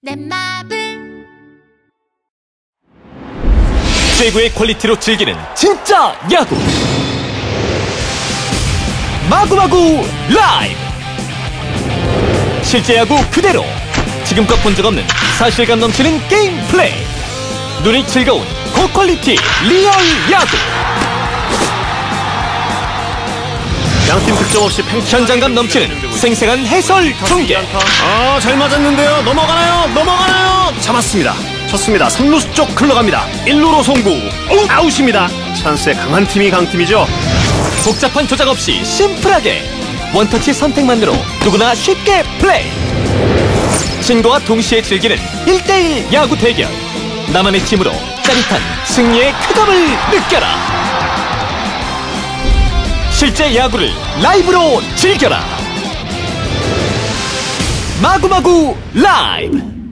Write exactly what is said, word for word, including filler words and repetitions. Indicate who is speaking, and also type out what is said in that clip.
Speaker 1: 넷마블
Speaker 2: 최고의 퀄리티로 즐기는 진짜 야구 마구마구 라이브. 실제 야구 그대로 지금껏 본 적 없는 사실감 넘치는 게임 플레이, 눈이 즐거운 고퀄리티 리얼 야구.
Speaker 3: 양팀 득점 없이 팽
Speaker 2: 현장감 넘치는 생생한 해설 중계.
Speaker 3: 아, 잘 맞았는데요. 넘어가나요? 넘어가나요? 잡았습니다. 쳤습니다. 삼 루수 쪽 흘러갑니다. 일 루로 송구. 오, 아웃입니다. 찬스에 강한 팀이 강팀이죠.
Speaker 2: 복잡한 조작 없이 심플하게 원터치 선택만으로 누구나 쉽게 플레이. 친구와 동시에 즐기는 일 대일 야구 대결. 나만의 팀으로 짜릿한 승리의 쾌감을 느껴라. 실제 야구를 라이브로 즐겨라. 마구마구 라이브.